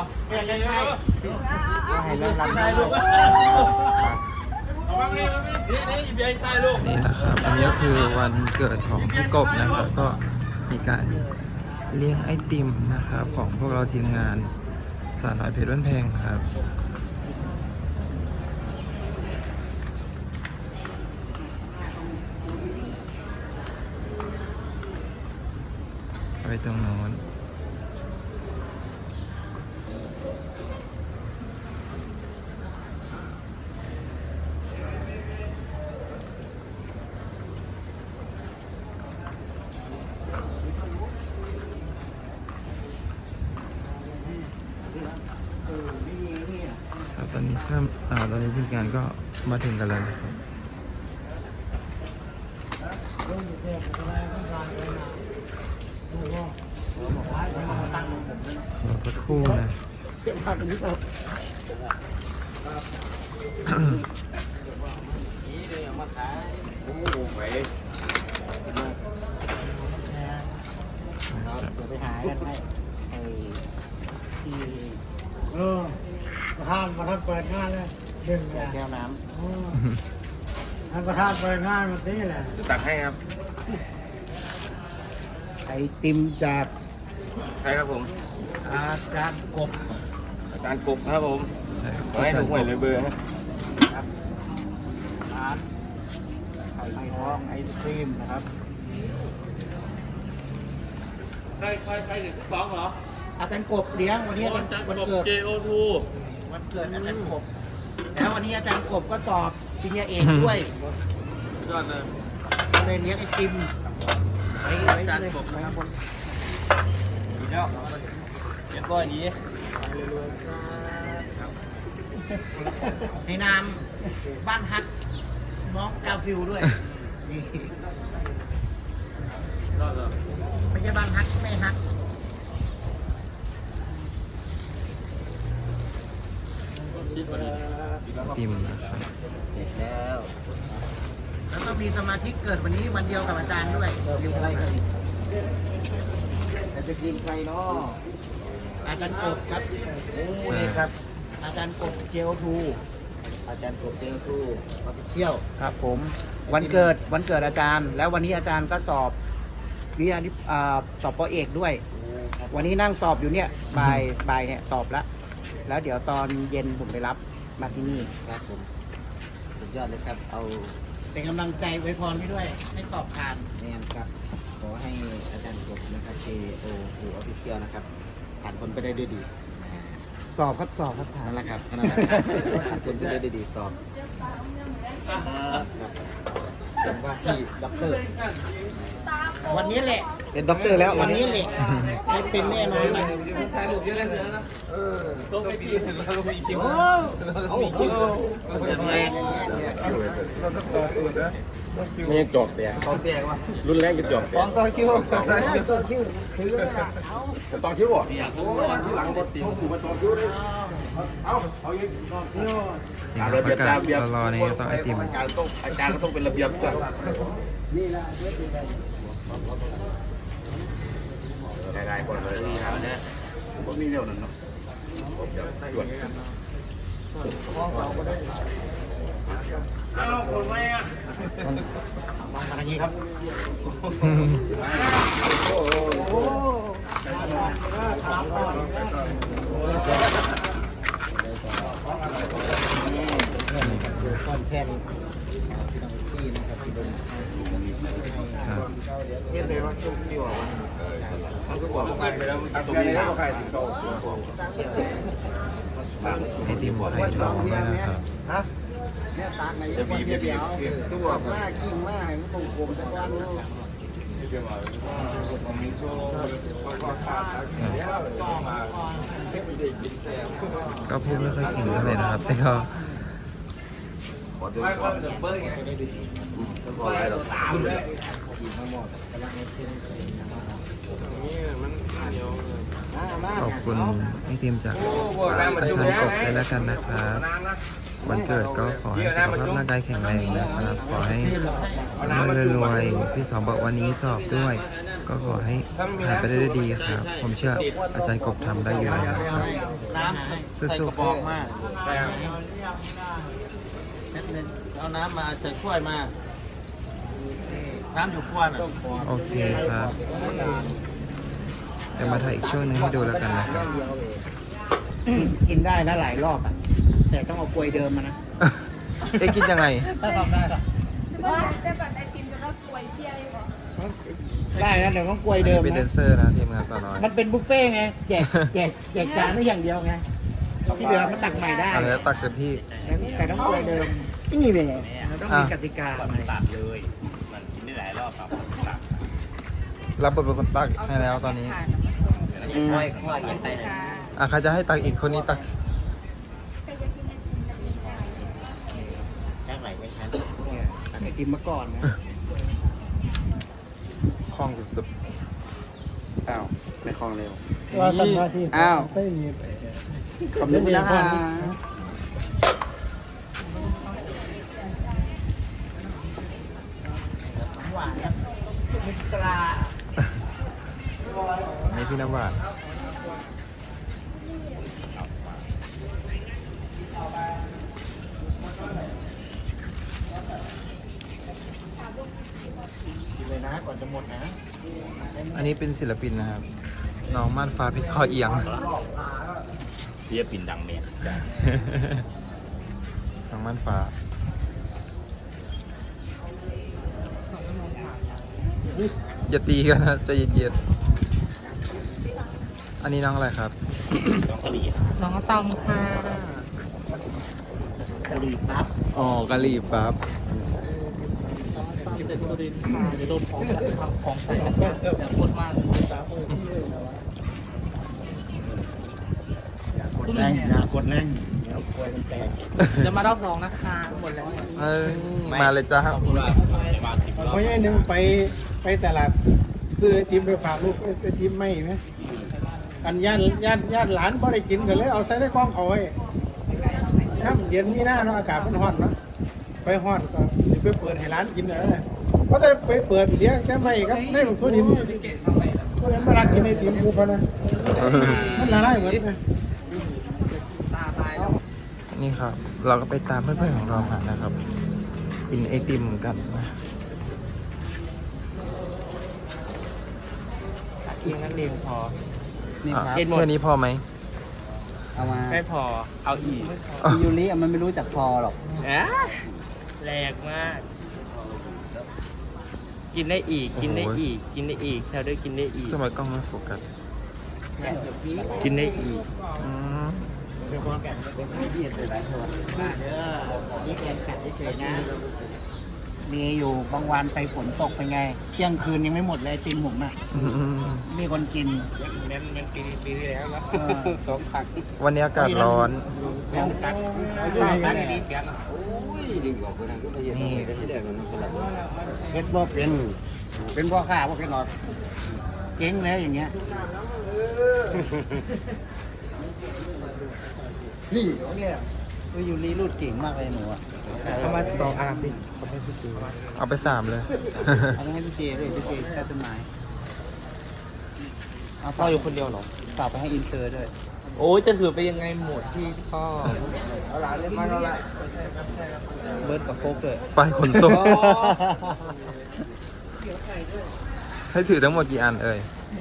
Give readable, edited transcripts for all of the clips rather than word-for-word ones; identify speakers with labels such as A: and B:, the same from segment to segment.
A: ให้เล่นลำได้ลูก
B: นี่นะครับอันนี้ก็คือวันเกิดของพี่กบนะครับก็มีการเลี้ยงไอติมนะครับของพวกเราทีมงานสาวน้อยเพชรบ้านแพงครับไปตรงโน้นตอนนี้ตอนนี้ทีมงานก็มาถึงกันแล้วนะครับรอสักครู่นะ
A: ไปหากันให้ที่ประธานเปิดงานเลยดึงแก้วน้ำท่านประธานเปิดงานวันนี้แหละ
C: จะตักให้ครับ
A: ไอติมจาก
C: ใครครับผม
A: อาจารย์กบ
C: ครับผมให้ถูกหวยเลยเบอร์
A: ครับร้านไข่ทองไอศครีมนะครับ
C: ใครถึงสองเหรอ
A: อาจารย์กบเลี้ยงวันนี้วันเกิด
C: JO2
A: วันเกิดอาจารย์กบแล้ววันนี้อาจารย์กบก็สอบปริญญาเอกด้วย
C: ยอดเลย
A: เลยเลี้ยงไอติมไว้อาจารย์กบนะครับ
C: ดีแล้วเรียบร้อยดี
A: ในนามบ้านฮักน้องกาฟิลด้วย
C: ยอดเลย
A: ไม่ใช่บ้านฮักไม่ฮัก
B: ติมนะครับ
C: เสร็จแล้ว
A: แล้วก็มีสมาชิกเกิดวันนี้วันเดียวกับอาจารย์ด้วยอยู่อะไรกันจะกินใครเนาะอาจารย์กบครับโอ้นี่ครับอาจารย์กบเจลทูอาจารย์กบเจลทูออฟฟิเชียลครับผมวันเกิดอาจารย์แล้ววันนี้อาจารย์ก็สอบวิทยาสอบป.เอกด้วยวันนี้นั่งสอบอยู่เนี่ยบ่ายเนี่ยสอบแล้วเดี๋ยวตอนเย็นผมไปรับมาที่นี่ครับผมสุดยอดเลยครับเอาเป็นกำลังใจไว้พรพี่ด้วยให้สอบผ่านนี่ครับขอให้อาจารย์กบนะครับ JO Official นะครับผ่านคนไปได้ด้วยดีสอบครับนั่นแหละครับนั่นแหละผ่านคนไปได้ด้วยดีสอบเป็นว่าที่ด็อกเตอร์วันนี้แหละเป็นด็อกเตอร์แล้ววันนี้แหละไม่เป็นแน่นอนเลย
C: ถ่ายรูปเยอะเลยนะต้องไปกินแล้วต้องไปกินเอายังไงไม่ยังจอกแต่ตอนแตกวะรุนแรงเป็นจอกตอนคิ้ว
A: คือ
C: ตอนคิ้วอ่ะที่หลังบดตีหูมาตอนคิ้วเลยเอาอย่าง
B: นี่ประกาศรอในต่อไอติม
C: อาจารย์ก็ต้องเป็นระเบียบก่อนได้ก่อนเลยนี่ครับเนี่ยผมมีเรื่องนั้นเนาะผมจะตรวจ
A: เอาคนไว้อะมาทางนี้ครับโอ้โหก้อนแค่นี้ที่นะครับที่เป็นเห็นเลยว่าช่วงที่ว่ามันก็บอกว่าไปแล้วตรงนี้ก็ใครสิงโต
B: ไอติมไข่ทองด้วยนะครับ
A: จะบีบตัวมากกิ้งมากมันคงกลมสักวัน
B: ก็พูดไม่ค่อยเก่งเท่าไหร่นะครับแต่ก็ขอบคุณไอติมจากอาจารย์กบด้วยแล้วกันนะครับวันเกิดก็ขอให้สุขภาพร่างกายแข็งแรงนะครับขอให้รวยๆพี่สองบอกวันนี้สอบด้วยก็ขอให้ผ่านไปได้ดีครับผมเชื่ออาจารย์กบทำได้อยู่แล้วครับ
C: ำใส่กระบอกมา
A: แป๊บนึง
C: เอาน้ำมาใส่ถ้วยมา น้ำอยู่ขวดอ่ะ
B: โอเคครับเดี๋ยวมาถ่ายอีกช่วงหนึงให้ดูแล้วกันนะครับ
A: กินได้แล้วหลายรอบอ่ะ แต่ต้องเอากลวยเดิมมานะ
B: เอ๊ะกินยังไง
C: ถ้าทำได้หรอ
D: ว่าจะแบบไอติมจะรับป่วยเที่ยวก่อน
A: ได้นะเดี๋ยวต้องกลวยเดิม
B: เป็นแด
A: นะ
B: นเซอร์นะทีมงานสาวน้อย
A: มันเป็นบุฟเฟ่ต์ไงแจกจานได้อย่างเดียวไงที่เหลือมันตักใหม่ได้
B: อะไรนะตักเต็มที่
A: แต่ต้องกลวยเดิมนี่เป็นไงเราต้องมีกติกาใหม่
C: ตัดเลย มันกินได้หลายรอบครับตัด
B: รับบทเป็นคนตักให้แล้วตอนนี้
C: ค่อยค่อยกินไปไหน
B: อ่ะใครจะให้ตักอีกคนนี้ตัก
C: แค่ไหนไม่ทัน
A: ตักไอติมมาก่อนนะ
B: คล่องสุด
A: อ้าวไม่คล่องเร็ว
E: ว่าสันว่าสิ
A: อ้าว
E: ใส่หนีบ
A: ขอบคุณนะคะหวานครับสุมิตรา
B: ๆนี่พี่น้ำหวาน
A: กินเลยนะก่อนจะหมดนะ
B: อันนี้เป็นศิลปินนะครับ น้องม่านฟ้าเพชรคอเอียง
C: เรียบปินดังเมีย
B: น้องม่านฟ้า อย่าตีกันนะใจเย็นๆ อันนี้น้องอะไรครับ
C: ต้องกะหรี่
D: น้องตอมค่ะ
A: กะหรี่ปั๊บ
B: อ๋อกะหรี่ปั๊บ
D: กินแต่ตัวดินค่ะเดี๋ยวโดนของใส่กันอย่าปวดมาก
A: กดแรงอย่ากดแรงเดี๋ยวกลวยมันแตก
D: เดี๋ยวมารอบสองนะคะหมดแล้ว
B: เอ้ย มาเลยจ้า
E: เพราะอย่างหนึงไปตลาดซื้อไอติมไปฝากลูกไอติมไม่ไหมอันย่านหลานพอได้กินกันเลยเอาใส่ในกล้องเอาไว้น้ำเย็นมีหน้าเนาะอากาศมันร้อนเนาะไปร้อนก็สิไปเปิดให้ร้านกินอะไรเพราะแต่ไปเปิดเดี๋ยวแต่ไม่ครับได้หลวงทั่วดินทั่วดินมารักกินไอติมกูพอนะมันละลายเหมือนกัน
B: นี่ครับ เราก็ไปตามเพื่อนๆของเรามานะครับ กินไอติมกันนะ
D: เพียงนั้นเองพอ
A: นี่ครับ
B: แค่นี้พอไหม
A: เอามา
D: ไม่พอเอาอีก
A: พี่ยูริมันไม่รู้จักพอหรอก
D: แรงมาก กินได้อีก กินได้อีก กินได้อีกแซวด้วยกินได้อีก
B: ทำไมกล้องไม่โฟกัส
D: กินได้อีก
B: อืม
A: นี่เอ็นกัดเฉยๆนะ มีอยู่บางวันไปฝนตกไปไง เที่ยงคืนยังไม่หมดเลยติมผมอ่ะ มีคนกิน
D: มันปีที่แล้วแล้ว
A: เออ
D: สองผัก
B: วันนี้อากาศร้อน
D: แล้วตักตักดีๆเสียง
B: นี่
A: เพชรบ่เป็นพ่อข้าพ่อแค่หลอดเจ๊งแล้วอย่างเงี้ย นี่เนี่ยยูริรูดเก่งมากเลยหนูอ่ะ
D: เอามาสองอาร์มดิ
B: เอาไป3เลย
A: เอาไปให้พี่เจด้วยพี่เจแค่ต้นไม้เอา
D: พ่ออยู่คนเดียวเหรอ
A: ฝากไปให้อินเตอร์ด้วย
D: โอ้ยจะถือไปยังไงหมดพี่พ่อ
A: เอาหลานเรียกมาแล้วละเบิร์ดกับโฟกเลย
B: ไปขนส่ง ให้ถือทั้งหมดกี่อันเอ่ย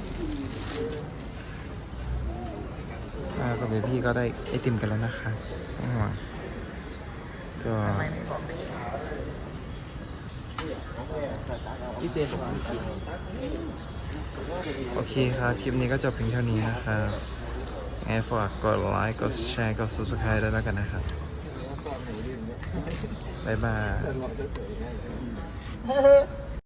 B: กับพี่ก็ได้ไอติมกันแล้วนะคะก็
D: พี่เจนบอกพี่กิน
B: โอเคครับ คลิปนี้ก็จบเพียงเท่านี้นะครับงั้นฝากกดไลค์ กดแชร์ กด subscribe ด้วยแล้วกันนะครับ บ๊ายบาย